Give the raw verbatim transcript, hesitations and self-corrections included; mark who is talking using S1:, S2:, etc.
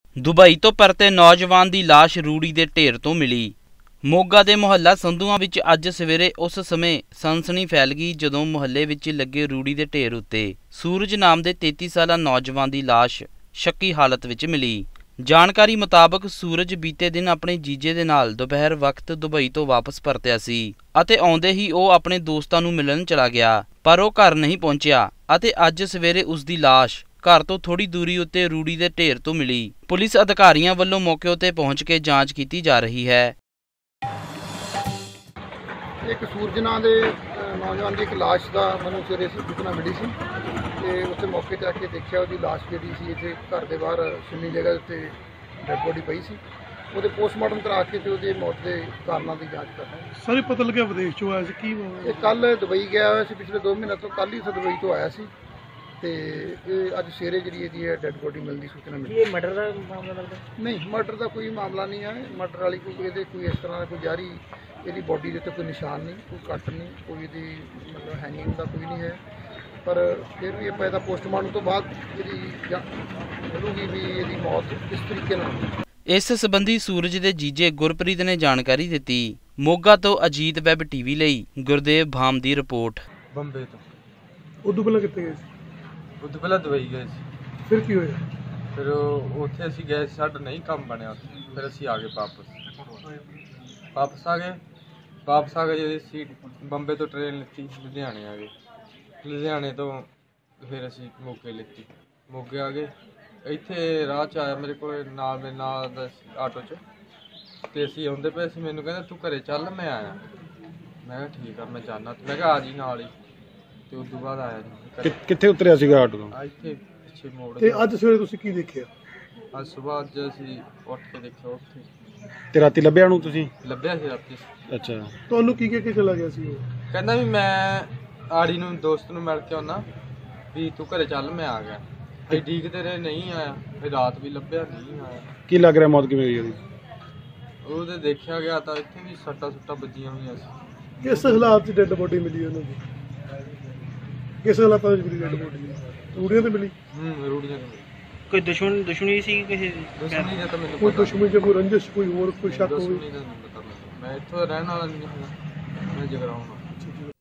S1: Dubai ਤੋਂ ਪਰਤੇ ਨੌਜਵਾਨ ਦੀ ਲਾਸ਼ ਰੂੜੀ ਦੇ ਢੇਰ ਤੋਂ ਮਿਲੀ। ਮੋਗਾ ਦੇ ਮੁਹੱਲਾ ਸੰਧੂਆਂ ਵਿੱਚ ਅੱਜ ਸਵੇਰੇ ਉਸ ਸਮੇਂ ਸਨਸਨੀ ਫੈਲ ਗਈ ਜਦੋਂ ਮੁਹੱਲੇ ਵਿੱਚ ਲੱਗੇ ਰੂੜੀ ਦੇ ਢੇਰ ਉੱਤੇ ਸੂਰਜ ਨਾਮ ਦੇ ਤੇਤੀ ਸਾਲਾ ਨੌਜਵਾਨ ਦੀ ਲਾਸ਼ ਸ਼ੱਕੀ ਹਾਲਤ ਵਿੱਚ ਮਿਲੀ। ਜਾਣਕਾਰੀ ਮੁਤਾਬਕ ਸੂਰਜ ਬੀਤੇ ਦਿਨ ਆਪਣੇ ਜੀਜੇ ਦੇ ਨਾਲ ਦੁਪਹਿਰ ਵਕਤ ਦੁਬਈ ਤੋਂ ਵਾਪਸ ਪਰਤਿਆ ਸੀ ਅਤੇ ਆਉਂਦੇ ਹੀ ਉਹ ਆਪਣੇ ਦੋਸਤਾਂ ਨੂੰ ਮਿਲਣ ਚਲਾ ਗਿਆ, ਪਰ ਉਹ ਘਰ ਨਹੀਂ ਪਹੁੰਚਿਆ ਅਤੇ ਅੱਜ ਸਵੇਰੇ ਉਸ ਦੀ ਲਾਸ਼ ਘਰ ਤੋਂ ਥੋੜੀ ਦੂਰੀ ਉੱਤੇ ਰੂੜੀ ਦੇ ਢੇਰ ਤੋਂ ਮਿਲੀ। ਪੁਲਿਸ ਅਧਿਕਾਰੀਆਂ ਵੱਲੋਂ ਮੌਕੇ ਉੱਤੇ ਪਹੁੰਚ ਕੇ ਜਾਂਚ ਕੀਤੀ ਜਾ ਰਹੀ ਹੈ।
S2: एक सूरज नां दे नौजवान की एक लाश का मैं सवेरे सूचना मिली सी ते उत्थे मौके ते आके देखिया उसकी लाश जिहड़ी सी इत्थे घर के बाहर सुन्नी जगह उत्ते डेड बॉडी पई सी। ਉਹਦੇ पोस्टमार्टम करा के ते ਉਹਦੀ मौत के कारणों की जांच कर रहे हैं।
S3: सारी पता लगे विदेश चो आया सी की
S2: ये कल दुबई गया हुआ सी, पिछले दो महीने तो कल ही से दुबई तो आया सी ते अज सवेरे जी ਇਹਦੀ डेड बॉडी मिलने की सूचना मिली।
S3: ये मर्डर का मामला लगता
S2: नहीं, मर्डर का कोई मामला नहीं है। मर्डर वाली कोई ਇਹਦੇ कोई इस तरह कोई जारी ਇਹਦੀ बॉडी ਦੇ ਉੱਤੇ ਕੋਈ ਨਿਸ਼ਾਨ ਨਹੀਂ, ਕੋਈ ਕੱਟ ਨਹੀਂ, ਕੋਈ ਇਹਦੀ ਮਤਲਬ ਹੈਂਗਿੰਗ ਦਾ ਕੋਈ ਨਹੀਂ ਹੈ, ਪਰ ਫਿਰ ਵੀ ਆਪਾਂ ਇਹਦਾ ਪੋਸਟਮਾਰਟਮ ਤੋਂ ਬਾਅਦ ਇਹਦੀ ਮਿਲੂਗੀ ਵੀ ਇਹਦੀ ਮੌਤ ਕਿਸ ਤਰੀਕੇ ਨਾਲ।
S1: ਇਸ ਸੰਬੰਧੀ ਸੂਰਜ ਦੇ ਜੀਜੇ ਗੁਰਪ੍ਰੀਤ ਨੇ ਜਾਣਕਾਰੀ ਦਿੱਤੀ। ਮੋਗਾ ਤੋਂ ਅਜੀਤ ਵੈਬ ਟੀਵੀ ਲਈ ਗੁਰਦੇਵ ਭਾਮ ਦੀ ਰਿਪੋਰਟ।
S4: ਬੰਬੇ ਤੋਂ
S3: ਉਦੋਂ ਪਹਿਲਾਂ ਕਿੱਥੇ ਗਏ ਸੀ?
S4: ਉਦੋਂ ਪਹਿਲਾਂ ਦੁਬਈ ਗਏ ਸੀ।
S3: ਫਿਰ ਕੀ ਹੋਇਆ?
S4: ਫਿਰ ਉਹ ਉੱਥੇ ਅਸੀਂ ਗਏ ਸੀ, ਸਾਡਾ ਨਹੀਂ ਕੰਮ ਬਣਿਆ ਉੱਥੇ, ਫਿਰ ਅਸੀਂ ਆ ਗਏ ਵਾਪਸ ਵਾਪਸ ਆ ਗਏ ਵਾਪਸ ਆ ਗਏ ਜਦੋਂ ਅਸੀਂ ਬੰਬੇ ਤੋਂ ਟ੍ਰੇਨ ਲਿੱਤੀ, ਲੁਧਿਆਣੇ ਆ ਗਏ। ਲੁਧਿਆਣੇ ਤੋਂ ਫਿਰ ਅਸੀਂ ਮੋਗੇ ਲਿੱਤੀ, ਮੋਗੇ ਆ ਗਏ। ਇੱਥੇ ਰਾਹ 'ਚ ਆਇਆ ਮੇਰੇ ਕੋਲ ਨਾਲ ਮੇਰੇ ਨਾਲ ਦਾ ਆਟੋ 'ਚ, ਅਤੇ ਅਸੀਂ ਆਉਂਦੇ ਪਏ ਸੀ। ਮੈਨੂੰ ਕਹਿੰਦਾ ਤੂੰ ਘਰੇ ਚੱਲ, ਮੈਂ ਆਇਆ। ਮੈਂ ਕਿਹਾ ਠੀਕ ਆ, ਮੈਂ ਜਾਣਾ। ਮੈਂ ਕਿਹਾ ਆ ਜੀ ਨਾਲ ਹੀ, ਅਤੇ ਉਸ ਤੋਂ ਬਾਅਦ ਆਇਆ ਜੀ।
S3: ਕਿੱਥੇ ਉਤਰਿਆ ਸੀਗਾ ਆਟੋ ਤੋਂ?
S4: ਇੱਥੇ ਪਿੱਛੇ ਮੋੜ
S3: ਤੇ ਅੱਜ ਸਵੇਰੇ ਤੁਸੀਂ ਕੀ ਦੇਖਿਆ?
S4: ਅੱਜ ਸੁਬਾਹ ਅੱਜ ਅਸੀਂ ਉੱਠ ਕੇ ਦੇਖਿਆ ਉੱਥੇ
S3: ਤੇ ਰਾਤੀ ਲੱਭਿਆ ਨੂੰ ਤੁਸੀਂ?
S4: ਲੱਭਿਆ ਸੀ ਰਾਤੀ।
S3: ਅੱਛਾ, ਤੁਹਾਨੂੰ ਕੀ ਕਹਿ ਕੇ ਚਲਾ ਗਿਆ ਸੀ ਉਹ?
S4: ਕਹਿੰਦਾ ਵੀ ਮੈਂ ਆੜੀ ਨੂੰ ਦੋਸਤ ਨੂੰ ਮਿਲ ਕੇ ਆਉਣਾ, ਵੀ ਤੂੰ ਘਰੇ ਚੱਲ, ਮੈਂ ਆ ਗਿਆ। ਤੇ ਡੀਕਦੇ ਰਹੇ, ਨਹੀਂ ਆਇਆ। ਫਿਰ ਰਾਤ ਵੀ ਲੱਭਿਆ, ਨਹੀਂ ਆਇਆ।
S3: ਕੀ ਲੱਗ ਰਿਹਾ ਮੌਤ ਕਿਵੇਂ ਹੋਈ ਉਹਦੀ?
S4: ਉਹਦੇ ਦੇਖਿਆ ਗਿਆ ਤਾਂ ਇੱਥੇ ਵੀ ਸੱਟਾਂ ਸੁੱਟਾਂ ਵੱਜੀਆਂ ਹੋਈਆਂ ਸੀ।
S3: ਕਿਸ ਹਾਲਾਤ 'ਚ ਡੈੱਡ ਬੋਡੀ ਮਿਲੀ ਉਹਨਾਂ ਦੀ? ਕਿਸ ਹਾਲਾਤਾਂ ਵਿੱਚ ਮਿਲੀ ਡੈੱਡ ਬੋਡੀ? ਰੂੜੀਆਂ ਤੇ ਮਿਲੀ?
S4: ਹੂੰ, ਰੂੜੀਆਂ ਤੇ।
S3: ਕੋਈ ਦੁਸ਼ਮਣ ਦੁਸ਼ਮਣੀ ਸੀ ਕਿਸੇ ਦੀ?
S4: ਦੁਸ਼ਮਣੀ ਦਾ ਤਾਂ ਮੈਨੂੰ
S3: ਕੋਈ
S4: ਪਤਾ
S3: ਦੁਸ਼ਮਣੀ ਜਾਂ ਕੋਈ ਰੰਜਿਸ਼, ਕੋਈ ਹੋਰ ਕੋਈ ਸ਼ੱਕ ਹੋਵੇ?
S4: ਦੁਸ਼ਮਣੀ ਦਾ ਨਹੀਂ ਪਤਾ ਮੈਨੂੰ। ਮੈਂ ਇੱਥੋਂ ਰਹਿਣ ਵਾਲਾ ਨਹੀਂ ਹਾਂ, ਮੈਂ ਜਗਰਾਉਂ।